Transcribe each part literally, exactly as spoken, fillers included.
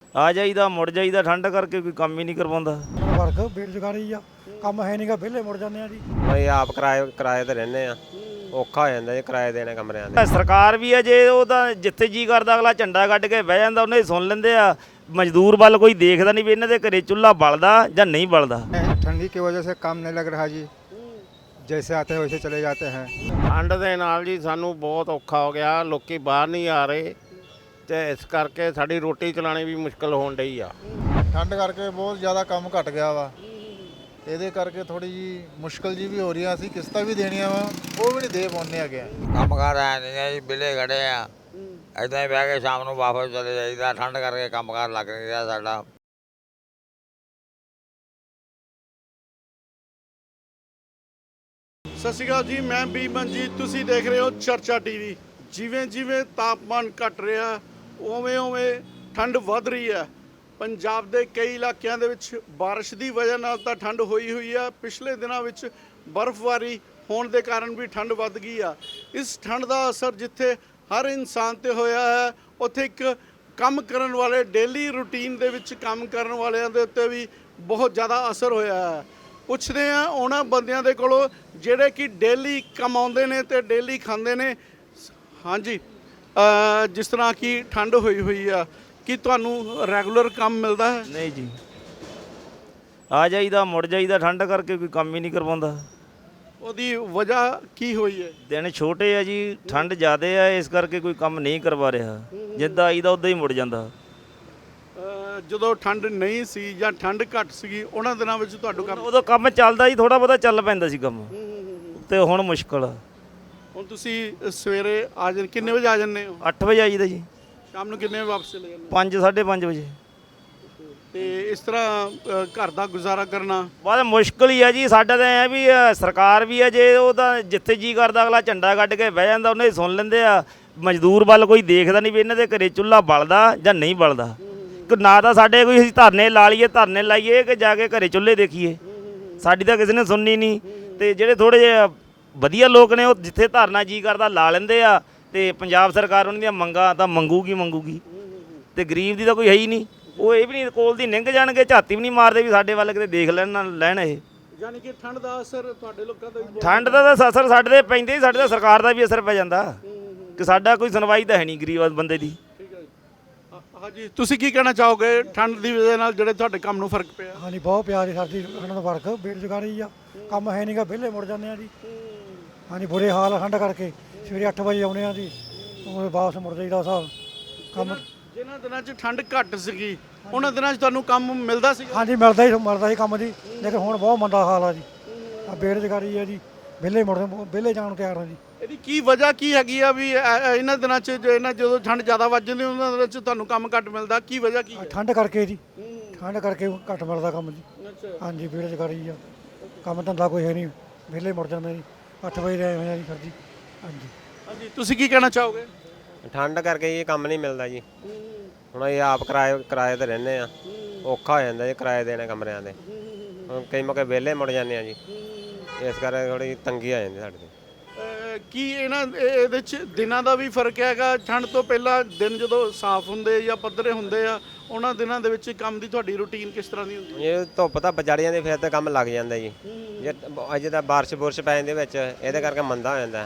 ਆ ਜਾਈਦਾ ਮੁੜ ਜਾਈਦਾ, ਠੰਡ ਕਰਕੇ ਕੋਈ ਕੰਮ ਹੀ ਨਹੀਂ ਕਰਵਾਉਂਦਾ। ਵਰਕ ਬੇਰੁਜ਼ਗਾਰੀ ਆ, ਕੰਮ ਹੈ ਨਹੀਂਗਾ, ਵਿਹਲੇ ਮੁੜ ਜਾਂਦੇ ਆ ਜੀ। ਅਸੀਂ ਆਪ ਕਿਰਾਏ ਕਿਰਾਏ ਤੇ ਰਹਿੰਦੇ ਆ, ਔਖਾ ਹੋ ਜਾਂਦਾ ਜੀ ਕਿਰਾਏ ਦੇਣੇ ਕਮਰਿਆਂ ਦੇ। ਸਰਕਾਰ ਵੀ ਹੈ ਜੇ ਉਹ ਤਾਂ ਜਿੱਥੇ ਜੀ ਕਰਦਾ ਅਗਲਾ ਝੰਡਾ ਕੱਢ ਕੇ ਬਹਿ ਜਾਂਦਾ, ਉਹਨੇ ਸੁਣ ਲੈਂਦੇ ਆ। मजदूर वाल कोई देखता नहीं भी इन्होंने घरे चूल्हा बलदा या नहीं बलदा। ठंडी की वजह से काम नहीं लग रहा जी, जैसे आते हैं वैसे चले जाते हैं। ठंड ਦੇ ਨਾਲ ਜੀ ਸਾਨੂੰ ਬਹੁਤ ਔਖਾ ਹੋ ਗਿਆ, ਲੋਕੀ ਬਾਹਰ ਨਹੀਂ ਆ ਰਹੇ ਤੇ ਇਸ ਕਰਕੇ ਸਾਡੀ ਰੋਟੀ ਚਲਾਣੀ ਵੀ ਮੁਸ਼ਕਲ ਹੋਣ ਡਈ ਆ। ਠੰਡ ਕਰਕੇ ਬਹੁਤ ਜ਼ਿਆਦਾ ਕੰਮ ਘਟ ਗਿਆ ਵਾ, ਇਹਦੇ ਕਰਕੇ ਥੋੜੀ ਜੀ ਮੁਸ਼ਕਲ ਜੀ ਵੀ ਹੋ ਰਹੀ ਆ। ਅਸੀਂ ਕਿਸ਼ਤਾਂ ਵੀ ਦੇਣੀਆਂ ਵਾ, ਉਹ ਵੀ ਨਹੀਂ ਦੇ ਪਾਉਂਦੇ ਹੈਗੇ। ਕੰਮ ਕਰ ਆਏ ਨਹੀਂ ਜੀ, ਬਿੱਲੇ ਖੜੇ ਆ, ਇੱਦਾਂ ਹੀ ਬਹਿ ਕੇ ਸ਼ਾਮ ਨੂੰ ਵਾਪਸ ਚਲੇ ਜਾਈਦਾ। ਠੰਡ ਕਰਕੇ ਕੰਮ ਕਾਰ ਲੱਗ ਨਹੀਂ ਰਿਹਾ ਸਾਡਾ। ਸਤਿ ਸ਼੍ਰੀ ਅਕਾਲ ਜੀ, ਮੈਂ ਬੀ ਮਨਜੀਤ, ਤੁਸੀਂ ਦੇਖ ਰਹੇ ਹੋ ਚਰਚਾ ਟੀਵੀ। ਜਿਵੇਂ ਜਿਵੇਂ ਤਾਪਮਾਨ ਘਟ ਰਿਹਾ ਉਵੇਂ ਉਵੇਂ ਠੰਡ ਵੱਧ ਰਹੀ ਹੈ। ਪੰਜਾਬ ਦੇ ਕਈ ਇਲਾਕਿਆਂ ਦੇ ਵਿੱਚ ਬਾਰਿਸ਼ ਦੀ ਵਜ੍ਹਾ ਨਾਲ ਤਾਂ ਠੰਡ ਹੋਈ ਹੋਈ ਆ। ਪਿਛਲੇ ਦਿਨਾਂ ਵਿੱਚ ਬਰਫ਼ਬਾਰੀ ਹੋਣ ਦੇ ਕਾਰਨ ਵੀ ਠੰਡ ਵੱਧ ਗਈ ਆ। ਇਸ ਠੰਡ ਦਾ ਅਸਰ ਜਿੱਥੇ ਹਰ ਇਨਸਾਨ ਤੇ ਹੋਇਆ ਹੈ, ਉੱਥੇ ਇੱਕ ਕੰਮ ਕਰਨ ਵਾਲੇ ਡੇਲੀ ਰੂਟੀਨ ਦੇ ਵਿੱਚ ਕੰਮ ਕਰਨ ਵਾਲਿਆਂ ਦੇ ਉੱਤੇ ਵੀ ਬਹੁਤ ਜ਼ਿਆਦਾ ਅਸਰ ਹੋਇਆ ਹੈ। ਪੁੱਛਦੇ ਆ ਉਹਨਾਂ ਬੰਦਿਆਂ ਦੇ ਕੋਲੋਂ ਜਿਹੜੇ ਕਿ ਡੇਲੀ ਕਮਾਉਂਦੇ ਨੇ ਤੇ ਡੇਲੀ ਖਾਂਦੇ ਨੇ। ਹਾਂਜੀ, ਜਿਸ ਤਰ੍ਹਾਂ ਕਿ ਠੰਡ ਹੋਈ ਹੋਈ ਆ, ਕਿ ਤੁਹਾਨੂੰ ਰੈਗੂਲਰ ਕੰਮ ਮਿਲਦਾ ਹੈ? नहीं जी, आ जाइदा मुड़ जाइदा, ठंड करके कोई काम ही नहीं करवाਉਂਦਾ। ਉਹਦੀ ਵਜ੍ਹਾ ਕੀ ਹੋਈ ਹੈ? दिन छोटे आ जी, ठंड ज़्यादा है, इस करके कोई काम नहीं करवा रहा। जिद्दां आईदा उद्दां ही मुड़ ਜਾਂਦਾ। ਜਦੋਂ ਠੰਡ ਨਹੀਂ ਸੀ ਜਾਂ ਠੰਡ ਘੱਟ ਸੀਗੀ ਉਹਨਾਂ ਦਿਨਾਂ ਵਿੱਚ ਤੁਹਾਡਾ ਕੰਮ? ਉਦੋਂ ਕੰਮ ਚੱਲਦਾ ਜੀ, ਥੋੜਾ ਬਹੁਤਾ ਚੱਲ ਪੈਂਦਾ ਸੀ ਕੰਮ, ਤੇ ਹੁਣ ਮੁਸ਼ਕਲ ਆ। ਹੁਣ ਤੁਸੀਂ ਸਵੇਰੇ ਆ ਜਾਂ ਕਿੰਨੇ ਵਜੇ ਆ ਜਾਂਦੇ ਹੋ? ਅੱਠ ਵਜੇ ਆਈਦਾ ਜੀ, ਸ਼ਾਮ ਨੂੰ ਕਿੰਨੇ ਵਜੇ ਵਾਪਸ ਚਲੇ ਜਾਂਦੇ? ਪੰਜ ਸਾਢੇ ਪੰਜ ਵਜੇ। ਤੇ ਇਸ ਤਰ੍ਹਾਂ ਅ, ਘਰ ਦਾ ਗੁਜ਼ਾਰਾ ਕਰਨਾ ਬਹੁਤ ਮੁਸ਼ਕਲ ਹੀ ਆ ਜੀ। ਸਾਡਾ ਤਾਂ ਐ ਵੀ ਅ, ਸਰਕਾਰ ਵੀ ਹੈ ਜੇ ਉਹ ਤਾਂ ਜਿੱਥੇ ਜੀ ਕਰਦਾ ਅਗਲਾ ਝੰਡਾ ਕੱਢ ਕੇ ਬਹਿ ਜਾਂਦਾ, ਉਹਨੇ ਸੁਣ ਲੈਂਦੇ ਆ। ਮਜ਼ਦੂਰ ਵੱਲ ਕੋਈ ਦੇਖਦਾ ਨਹੀਂ ਵੀ ਇਹਨਾਂ ਦੇ ਘਰੇ ਚੁੱਲ੍ਹਾ ਬਲਦਾ ਜਾਂ ਨਹੀਂ ਬਲਦਾ। ਨਾ ਤਾਂ ਸਾਡੇ ਕੋਈ ਅਸੀਂ ਧਰਨੇ ਲਾ ਲਈਏ, ਧਰਨੇ ਲਾਈਏ ਕਿ ਜਾ ਕੇ ਘਰੇ ਚੁੱਲ੍ਹੇ ਦੇਖੀਏ, ਸਾਡੀ ਤਾਂ ਕਿਸੇ ਨੇ ਸੁਣਨੀ ਨਹੀਂ। ਤੇ ਜਿਹੜੇ ਥੋੜ੍ਹੇ ਜਿਹੇ ਵਧੀਆ ਲੋਕ ਨੇ ਉਹ ਜਿੱਥੇ ਧਰਨਾ ਜੀ ਕਰਦਾ ਲਾ ਲੈਂਦੇ ਆ, ਤੇ ਪੰਜਾਬ ਸਰਕਾਰ ਉਹਨਾਂ ਦੀਆਂ ਮੰਗਾਂ ਤਾਂ ਮੰਗੂਗੀ ਮੰਗੂਗੀ, ਤੇ ਗਰੀਬ ਦੀ ਤਾਂ ਕੋਈ ਹੈ ਹੀ ਨਹੀਂ। ਉਹ ਇਹ ਵੀ ਨਹੀਂ ਕੋਲ ਦੀ ਨਿੰਘ ਜਾਣਗੇ, ਝਾਤੀ ਵੀ ਨਹੀਂ ਮਾਰਦੇ ਵੀ ਸਾਡੇ ਵੱਲ ਕਿਤੇ ਦੇਖ ਲੈਣ ਨਾ ਲੈਣ। ਇਹ ਯਾਨੀ ਕਿ ਠੰਡ ਦਾ ਅਸਰ ਤੁਹਾਡੇ ਲੋਕਾਂ ਦਾ ਵੀ? ਠੰਡ ਦਾ ਤਾਂ ਅਸਰ ਸਾਡੇ 'ਤੇ ਪੈਂਦੇ ਹੀ, ਸਾਡੇ ਤਾਂ ਸਰਕਾਰ ਦਾ ਵੀ ਅਸਰ ਪੈ ਜਾਂਦਾ ਕਿ ਸਾਡਾ ਕੋਈ ਸੁਣਵਾਈ ਤਾਂ ਹੈ ਨਹੀਂ ਗਰੀਬ ਬੰਦੇ ਦੀ। ਠੀਕ ਹੈ ਜੀ। ਹਾਂਜੀ, ਤੁਸੀਂ ਕੀ ਕਹਿਣਾ ਚਾਹੋਗੇ ਠੰਡ ਦੀ ਵਜ੍ਹਾ ਨਾਲ ਜਿਹੜੇ ਤੁਹਾਡੇ ਕੰਮ ਨੂੰ ਫਰਕ ਪਿਆ? ਹਾਂਜੀ, ਬਹੁਤ ਪਿਆ ਜੀ ਸਾਡੀ ਠੰਡ ਦਾ ਵਰਕ ਬੇਰੁਜ਼ਗਾਰੀ ਆ, ਕੰਮ ਹੈ ਨਹੀਂਗਾ, ਵਿਹਲੇ ਮੁੜ ਜਾਂਦੇ ਆ ਜੀ। ਹਾਂਜੀ, ਬੁਰੇ ਹਾਲ ਆ ਠੰਡ ਕਰਕੇ। ਸਵੇਰੇ ਅੱਠ ਵਜੇ ਆਉਂਦੇ ਆ ਜੀ, ਉਹ ਵਾਪਸ ਮੁੜ ਜਾਈਦਾ ਹਿਸਾਬ ਕੰਮ। ਜਿਨ੍ਹਾਂ ਦਿਨਾਂ 'ਚ ਠੰਡ ਘੱਟ ਸੀਗੀ ਉਹਨਾਂ ਦਿਨਾਂ 'ਚ ਤੁਹਾਨੂੰ ਕੰਮ ਮਿਲਦਾ ਸੀ? ਹਾਂਜੀ, ਮਿਲਦਾ ਹੀ ਮਿਲਦਾ ਸੀ ਕੰਮ ਜੀ, ਲੇਕਿਨ ਹੁਣ ਬਹੁਤ ਮੰਦਾ ਹਾਲ ਆ ਜੀ। ਆ ਬੇਰੁਜ਼ਗਾਰੀ ਆ ਜੀ, ਵਿਹਲੇ ਮੁੜ ਵਿਹਲੇ ਜਾਣ ਨੂੰ ਤਿਆਰ ਆ ਜੀ। ਇਹਦੀ ਕੀ ਵਜ੍ਹਾ ਕੀ ਹੈਗੀ ਆ ਵੀ ਇਹ- ਇਹਨਾਂ ਦਿਨਾਂ 'ਚ ਜੋ ਇਹਨਾਂ ਜਦੋਂ ਠੰਡ ਜ਼ਿਆਦਾ ਵੱਧ ਜਾਂਦੀ ਉਹਨਾਂ ਦਿਨਾਂ 'ਚ ਤੁਹਾਨੂੰ ਕੰਮ ਘੱਟ ਮਿਲਦਾ? ਕੀ ਵਜ੍ਹਾ ਕੀ ਹੈ? ਠੰਡ ਕਰਕੇ ਜੀ, ਠੰਡ ਕਰਕੇ ਘੱਟ ਮਿਲਦਾ ਕੰਮ ਜੀ। ਅੱਛਾ, ਹਾਂਜੀ, ਬੇਰੁਜ਼ਗਾਰੀ ਆ, ਕੰਮ ਧੰਦਾ ਕੋਈ ਹੈ ਨਹੀਂ, ਵਿਹਲੇ ਮੁੜ ਜਾਂਦੇ ਜੀ। ਅੱਠ ਵਜੇ ਰਹੇ ਹੋਏ ਆ ਜੀ ਸਰ ਜੀ। ਹਾਂਜੀ ਹਾਂਜੀ, ਤੁਸੀਂ ਕੀ ਕਹਿਣਾ ਚਾਹੋਗੇ? ਠੰਡ ਕਰਕੇ ਇਹ ਕੰਮ ਨਹੀਂ ਮਿਲਦਾ ਜੀ। ਹੁਣ ਅਸੀਂ ਆਪ ਕਿਰਾਏ ਕਿਰਾਏ ਤੇ ਰਹਿੰਦੇ ਆ, ਔਖਾ ਹੋ ਜਾਂਦਾ ਜੀ ਕਿਰਾਏ ਦੇਣੇ ਕਮਰਿਆਂ ਦੇ। ਹੁਣ ਕਈ ਮੌਕੇ ਵਿਹਲੇ ਮੁੜ ਜਾਂਦੇ ਆ ਜੀ, ਇਸ ਕਰਕੇ ਥੋੜ੍ਹੀ ਤੰਗੀ ਆ ਜਾਂਦੀ ਸਾਡੇ 'ਤੇ। ਅਹ ਕੀ ਇਹਨਾਂ ਇਹ- ਇਹਦੇ 'ਚ ਦਿਨਾਂ ਦਾ ਵੀ ਫਰਕ ਹੈਗਾ? ਠੰਡ ਤੋਂ ਪਹਿਲਾਂ ਦਿਨ ਜਦੋਂ ਸਾਫ਼ ਹੁੰਦੇ ਜਾਂ ਪੱਧਰੇ ਹੁੰਦੇ ਆ, ਉਹਨਾਂ ਦਿਨਾਂ ਦੇ ਵਿੱਚ ਕੰਮ ਦੀ ਤੁਹਾਡੀ ਰੂਟੀਨ ਕਿਸ ਤਰ੍ਹਾਂ ਦੀ ਹੁੰਦੀ? ਇਹ ਧੁੱਪ ਤਾਂ ਚੜ੍ਹ ਜਾਂਦੀ, ਫਿਰ ਤਾਂ ਕੰਮ ਲੱਗ ਜਾਂਦਾ ਜੀ। ਜੇ ਅੱਜ ਤਾਂ ਬਾਰਿਸ਼ ਬੁਰਸ਼ ਪੈ ਜਾਂਦੀ ਵਿੱਚ, ਇਹਦੇ ਕਰਕੇ ਮੰਦਾ ਹੋ ਜਾਂਦਾ,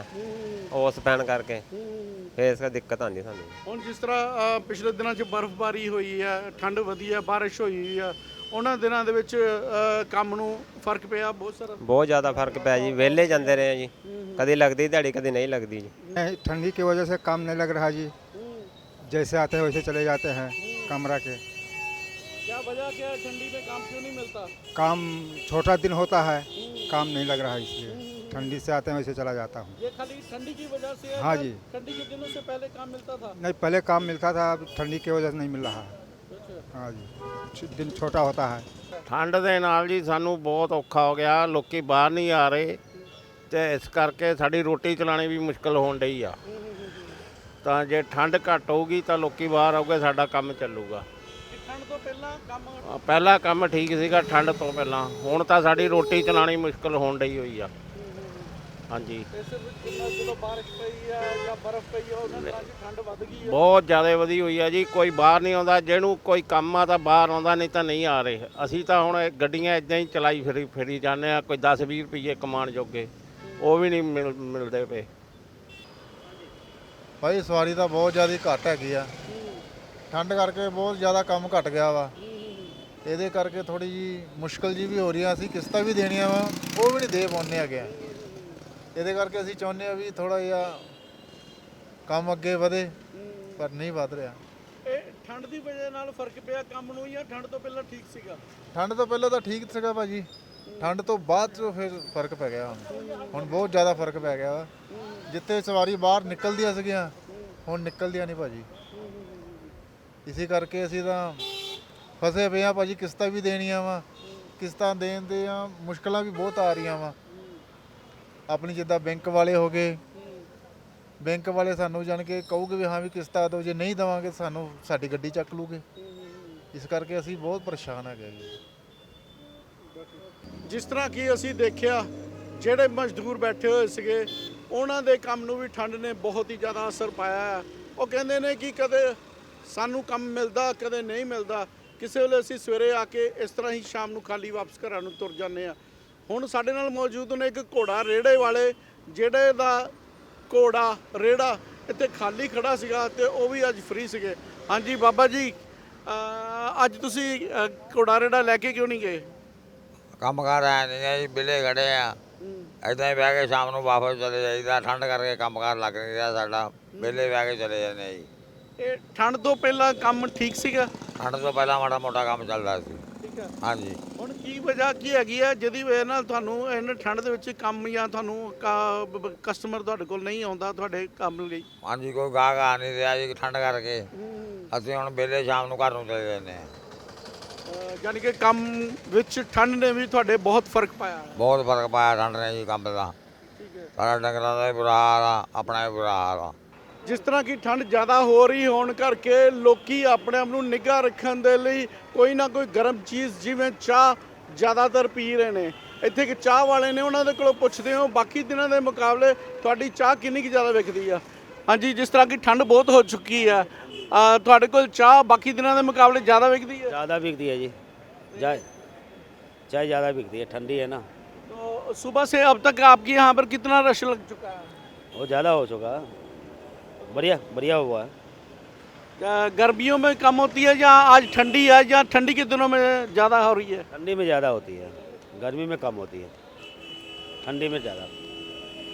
ਉਸ ਪੈਣ ਕਰਕੇ ਫਿਰ ਇਸ ਕਰਕੇ ਦਿੱਕਤ ਆਉਂਦੀ ਸਾਨੂੰ। ਹੁਣ ਜਿਸ ਤਰ੍ਹਾਂ ਅਹ, ਪਿਛਲੇ ਦਿਨਾਂ 'ਚ ਬਰਫ਼ਬਾਰੀ ਹੋਈ ਹੈ, ਠੰਡ ਵਧੀ ਹੈ, ਬਾਰਿਸ਼ ਹੋਈ ਹੋਈ ਆ, ਉਹਨਾਂ ਦਿਨਾਂ ਦੇ ਵਿੱਚ ਅਹ, ਕੰਮ ਨੂੰ ਫਰਕ ਪਿਆ ਬਹੁਤ ਸਾਰਾ? ਬਹੁਤ ਜ਼ਿਆਦਾ ਫਰਕ ਪਿਆ ਜੀ, ਵਿਹਲੇ ਜਾਂਦੇ ਰਹੇ ਜੀ, ਕਦੀ ਲੱਗਦੀ ਦਿਹਾੜੀ कभी नहीं लगती जी। ठंडी की वजह से काम नहीं लग रहा जी, जैसे आते हैं वैसे चले जाते हैं कमरा के। क्या वजह क्या है, ठंडी में काम क्यों नहीं मिलता? काम छोटा दिन होता है, काम नहीं लग रहा है, इसलिए ठंडी से आते हैं वैसे चला जाता हूँ। ये खाली ठंडी की वजह से है? हाँ या जी। ठंडी के दिनों से पहले काम मिलता था? नहीं, पहले काम मिलता था, अब ठंडी की वजह से नहीं मिल रहा है। हाँ जी, दिन छोटा होता है। ਠੰਡ ਦੇ ਨਾਲ ਜੀ ਸਾਨੂੰ ਬਹੁਤ ਔਖਾ ਹੋ ਗਿਆ, ਲੋਕੀ ਬਾਹਰ ਨਹੀਂ ਆ ਰਹੇ ਤੇ ਇਸ ਕਰਕੇ ਸਾਡੀ ਰੋਟੀ ਚਲਾਣੀ ਵੀ ਮੁਸ਼ਕਲ ਹੋਣ ਡਈ ਆ। ਤਾਂ ਜੇ ਠੰਡ ਘੱਟ ਹੋਊਗੀ ਤਾਂ ਲੋਕੀ ਬਾਹਰ ਆਉਗੇ, ਸਾਡਾ ਕੰਮ ਚੱਲੂਗਾ। ਠੰਡ ਤੋਂ ਪਹਿਲਾਂ ਕੰਮ ਪਹਿਲਾ ਕੰਮ ਠੀਕ ਸੀਗਾ ਠੰਡ ਤੋਂ ਪਹਿਲਾਂ, ਹੁਣ ਤਾਂ ਸਾਡੀ ਰੋਟੀ ਚਲਾਣੀ ਮੁਸ਼ਕਲ ਹੋਣ ਡਈ ਹੋਈ ਆ। ਹਾਂਜੀ ਇਸ ਵਿੱਚ ਜਿੰਨਾ ਜਦੋਂ ਬਾਰਿਸ਼ ਪਈ ਆ ਜਾਂ ਬਰਫ਼ ਪਈ ਆ ਉਹਨਾਂ ਦਿਨਾਂ 'ਚ ਠੰਡ ਵੱਧ ਗਈ ਆ। ਬਹੁਤ ਜ਼ਿਆਦਾ ਵਧੀ ਹੋਈ ਆ ਜੀ। ਕੋਈ ਬਾਹਰ ਨਹੀਂ ਆਉਂਦਾ, ਜਿਹਨੂੰ ਕੋਈ ਕੰਮ ਆ ਤਾਂ ਬਾਹਰ ਆਉਂਦਾ, ਨਹੀਂ ਤਾਂ ਨਹੀਂ ਆ ਰਹੇ। ਅਸੀਂ ਤਾਂ ਹੁਣ ਇਹ ਗੱਡੀਆਂ ਇਦਾਂ ਹੀ ਚਲਾਈ ਫਿਰੀ ਫਿਰੀ ਜਾਂਦੇ ਆ, ਕੋਈ ਦਸ ਵੀਹ ਰੁਪਏ ਕਮਾਉਣ ਜੋਗੇ ਉਹ ਵੀ ਨਹੀਂ ਮਿਲ ਮਿਲਦੇ ਪਏ। ਭਾਈ ਸਵਾਰੀ ਤਾਂ ਬਹੁਤ ਜ਼ਿਆਦਾ ਘੱਟ ਹੈਗੀ ਆ, ਠੰਡ ਕਰਕੇ ਬਹੁਤ ਜ਼ਿਆਦਾ ਕੰਮ ਘਟ ਗਿਆ ਵਾ। ਇਹਦੇ ਕਰਕੇ ਥੋੜੀ ਜੀ ਮੁਸ਼ਕਲ ਜੀ ਵੀ ਹੋ ਰਹੀ ਆ, ਅਸੀਂ ਕਿਸ਼ਤਾਂ ਵੀ ਦੇਣੀਆਂ ਵਾ ਉਹ ਵੀ ਨਹੀਂ ਦੇ ਪਾਉਂਦੇ ਹੈਗੇ ਆ। ਇਹਦੇ ਕਰਕੇ ਅਸੀਂ ਚਾਹੁੰਦੇ ਆ ਵੀ ਥੋੜਾ ਜਿਹਾ ਕੰਮ ਅੱਗੇ ਵਧੇ, ਪਰ ਨਹੀਂ ਵਧ ਰਿਹਾ। ਇਹ ਠੰਡ ਦੀ ਵਜ੍ਹਾ ਨਾਲ ਫਰਕ ਪਿਆ ਕੰਮ ਨੂੰ ਜਾਂ ਠੰਡ ਤੋਂ ਪਹਿਲਾਂ ਠੀਕ ਸੀਗਾ? ਠੰਡ ਤੋਂ ਪਹਿਲਾਂ ਤਾਂ ਠੀਕ ਸੀਗਾ ਭਾਜੀ, ਠੰਡ ਤੋਂ ਬਾਅਦ ਚ ਫਿਰ ਫਰਕ ਪੈ ਗਿਆ। ਹੁਣ ਹੁਣ ਬਹੁਤ ਜ਼ਿਆਦਾ ਫਰਕ ਪੈ ਗਿਆ ਵਾ। ਜਿੱਥੇ ਸਵਾਰੀ ਬਾਹਰ ਨਿਕਲਦੀਆਂ ਸੀਗੀਆਂ ਹੁਣ ਨਿਕਲਦੀਆਂ ਨਹੀਂ ਭਾਜੀ। ਇਸੇ ਕਰਕੇ ਅਸੀਂ ਤਾਂ ਫਸੇ ਪਏ ਆ ਭਾਜੀ, ਕਿਸ਼ਤਾਂ ਵੀ ਦੇਣੀਆਂ ਵਾ, ਕਿਸ਼ਤਾਂ ਦੇਣ ਦੇ ਆ ਮੁਸ਼ਕਲਾਂ ਵੀ ਬਹੁਤ ਆ ਰਹੀਆਂ ਵਾ। ਆਪਣੀ ਜਿੱਦਾਂ ਬੈਂਕ ਵਾਲੇ ਹੋ ਗਏ, ਬੈਂਕ ਵਾਲੇ ਸਾਨੂੰ ਜਾਣ ਕੇ ਕਹੂਗੇ ਵੀ ਹਾਂ ਵੀ ਕਿਸ਼ਤਾਂ ਦਿਓ, ਜੇ ਨਹੀਂ ਦੇਵਾਂਗੇ ਸਾਨੂੰ ਸਾਡੀ ਗੱਡੀ ਚੱਕ ਲੂਗੇ। ਇਸ ਕਰਕੇ ਅਸੀਂ ਬਹੁਤ ਪਰੇਸ਼ਾਨ ਹੈਗੇ ਜੀ। ਜਿਸ ਤਰ੍ਹਾਂ ਕਿ ਅਸੀਂ ਦੇਖਿਆ ਜਿਹੜੇ ਮਜ਼ਦੂਰ ਬੈਠੇ ਹੋਏ ਸੀਗੇ ਉਹਨਾਂ ਦੇ ਕੰਮ ਨੂੰ ਵੀ ਠੰਡ ਨੇ ਬਹੁਤ ਹੀ ਜ਼ਿਆਦਾ ਅਸਰ ਪਾਇਆ ਹੈ। ਉਹ ਕਹਿੰਦੇ ਨੇ ਕਿ ਕਦੇ ਸਾਨੂੰ ਕੰਮ ਮਿਲਦਾ, ਕਦੇ ਨਹੀਂ ਮਿਲਦਾ। ਕਿਸੇ ਵੇਲੇ ਅਸੀਂ ਸਵੇਰੇ ਆ ਕੇ ਇਸ ਤਰ੍ਹਾਂ ਹੀ ਸ਼ਾਮ ਨੂੰ ਖਾਲੀ ਵਾਪਸ ਘਰਾਂ ਨੂੰ ਤੁਰ ਜਾਂਦੇ ਆ। ਹੁਣ ਸਾਡੇ ਨਾਲ ਮੌਜੂਦ ਨੇ ਇੱਕ ਘੋੜਾ ਰੇੜੇ ਵਾਲੇ, ਜਿਹੜੇ ਦਾ ਘੋੜਾ ਰੇੜਾ ਇੱਥੇ ਖਾਲੀ ਖੜਾ ਸੀਗਾ ਤੇ ਉਹ ਵੀ ਅੱਜ ਫ੍ਰੀ ਸੀਗੇ। ਹਾਂਜੀ ਬਾਬਾ ਜੀ, ਅਹ ਅੱਜ ਤੁਸੀਂ ਅਹ ਘੋੜਾ ਰੇੜਾ ਲੈ ਕੇ ਕਿਉਂ ਨਹੀਂ ਗਏ? ਕੰਮ ਕਰ ਆਏ ਨਹੀਂ ਆ ਜੀ, ਵਿਹਲੇ ਖੜੇ ਆ। ਇੱਦਾਂ ਹੀ ਬਹਿ ਕੇ ਸ਼ਾਮ ਨੂੰ ਵਾਪਸ ਚਲੇ ਜਾਈਦਾ। ਠੰਡ ਕਰਕੇ ਕੰਮ ਕਾਰ ਲੱਗ ਨਹੀਂ ਰਿਹਾ ਸਾਡਾ, ਵਿਹਲੇ ਬਹਿ ਕੇ ਚਲੇ ਜਾਂਦੇ ਆ ਜੀ। ਇਹ ਠੰਡ ਤੋਂ ਪਹਿਲਾਂ ਕੰਮ ਠੀਕ ਸੀਗਾ? ਠੰਡ ਤੋਂ ਪਹਿਲਾਂ ਮਾੜਾ ਮੋਟਾ ਕੰਮ ਚੱਲਦਾ ਸੀ। ਠੀਕ ਹੈ। ਹਾਂਜੀ ਹੁਣ ਕੀ ਵਜ੍ਹਾ ਕੀ ਹੈਗੀ ਹੈ ਜਿਹਦੀ ਵਜ੍ਹਾ ਨਾਲ ਤੁਹਾਨੂੰ ਇਹਨਾਂ ਠੰਡ ਦੇ ਵਿੱਚ ਕੰਮ ਜਾਂ ਤੁਹਾਨੂੰ ਕਸਟਮਰ ਤੁਹਾਡੇ ਕੋਲ ਨਹੀਂ ਆਉਂਦਾ ਤੁਹਾਡੇ ਕੰਮ ਲਈ? ਹਾਂਜੀ ਕੋਈ ਗਾਹਕ ਆ ਨਹੀਂ ਰਿਹਾ ਜੀ ਠੰਡ ਕਰਕੇ। ਅਸੀਂ ਹੁਣ ਵਿਹਲੇ ਸ਼ਾਮ ਨੂੰ ਘਰ ਨੂੰ ਚਲੇ ਜਾਂਦੇ ਹਾਂ। ਅਹ ਯਾਨੀ ਕਿ ਕੰਮ ਵਿੱਚ ਠੰਡ ਨੇ ਵੀ ਤੁਹਾਡੇ ਬਹੁਤ ਫਰਕ ਪਾਇਆ ਹੈ। ਬਹੁਤ ਫਰਕ ਪਾਇਆ ਠੰਡ ਨੇ ਜੀ ਕੰਮ ਦਾ। ਠੀਕ ਹੈ। ਸਾਡਾ ਡੰਗਰਾਂ ਦਾ ਵੀ ਬੁਰਾ ਹਾਲ ਆ, ਆਪਣਾ ਵੀ ਬੁਰਾ ਹਾਲ ਆ। ਜਿਸ ਤਰ੍ਹਾਂ ਕਿ ਠੰਡ ਜ਼ਿਆਦਾ ਹੋ ਰਹੀ ਹੋਣ ਕਰਕੇ ਲੋਕੀ ਆਪਣੇ ਆਪ ਨੂੰ ਨਿੱਘਾ ਰੱਖਣ ਦੇ ਲਈ ਕੋਈ ਨਾ ਕੋਈ ਗਰਮ ਚੀਜ਼ ਜਿਵੇਂ ਚਾਹ ਜ਼ਿਆਦਾਤਰ ਪੀ ਰਹੇ ਨੇ। ਇੱਥੇ ਇੱਕ ਚਾਹ ਵਾਲੇ ਨੇ, ਉਹਨਾਂ ਦੇ ਕੋਲੋਂ ਪੁੱਛਦੇ ਹੋ ਬਾਕੀ ਦਿਨਾਂ ਦੇ ਮੁਕਾਬਲੇ ਤੁਹਾਡੀ ਚਾਹ ਕਿੰਨੀ ਕੁ ਜ਼ਿਆਦਾ ਵਿਕਦੀ ਆ? ਹਾਂਜੀ, ਜਿਸ ਤਰ੍ਹਾਂ ਕਿ ਠੰਡ ਬਹੁਤ ਹੋ ਚੁੱਕੀ ਆ, ਅ, ਤੁਹਾਡੇ ਕੋਲ ਚਾਹ ਬਾਕੀ ਦਿਨਾਂ ਦੇ ਮੁਕਾਬਲੇ ਜ਼ਿਆਦਾ ਵਿਕਦੀ ਹੈ? ज़्यादा बिकती है जी, चाय चाय ज़्यादा बिकती है, ठंडी है ना तो सुबह से अब तक आपके यहाँ पर कितना रश लग चुका है? वो ज़्यादा हो चुका है, बढ़िया बढ़िया हुआ है। अ, गर्मियों में कम होती है या आज ठंडी है या ठंडी के दिनों में ज़्यादा हो रही है? ठंडी में ज़्यादा होती है, गर्मी में कम होती है, ठंडी में ज़्यादा।